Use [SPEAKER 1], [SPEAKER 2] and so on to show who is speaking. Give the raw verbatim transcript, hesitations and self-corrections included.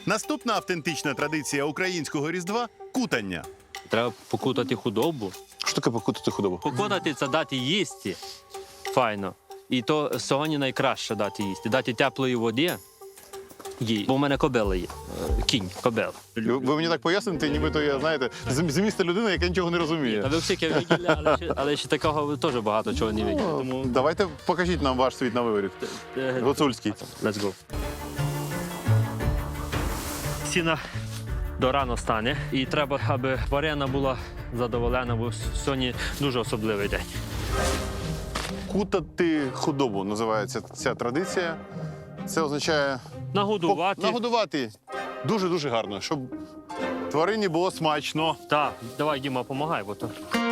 [SPEAKER 1] Наступна автентична традиція українського Різдва – кутання.
[SPEAKER 2] Треба покутати худобу.
[SPEAKER 3] Що таке покутати худобу?
[SPEAKER 2] Покутати – це дати їсти. Файно. І то сьогодні найкраще дати їсти. Дати теплої води їй. Бо в мене кобила є. Е, Кінь, кобила.
[SPEAKER 3] Ви ви мені так поясните, нібито я, знаєте, з з міста людина, яка нічого не
[SPEAKER 2] Та
[SPEAKER 3] розуміє.
[SPEAKER 2] ви всі виділи, але, ще- але ще такого теж багато чого не виділи. Тому
[SPEAKER 3] Давайте покажіть нам ваш світ на виворіт.
[SPEAKER 2] е,
[SPEAKER 3] Гуцульський.
[SPEAKER 2] let's go. Сіна до рано стане. І треба, аби тварина була задоволена, бо сьогодні дуже особливий день.
[SPEAKER 3] Кутати худобу називається ця традиція. Це означає
[SPEAKER 2] Нагодувати.
[SPEAKER 3] пок- нагодувати дуже-дуже гарно, щоб тварині було смачно.
[SPEAKER 2] Так, давай, Діма, допомагай, бо то.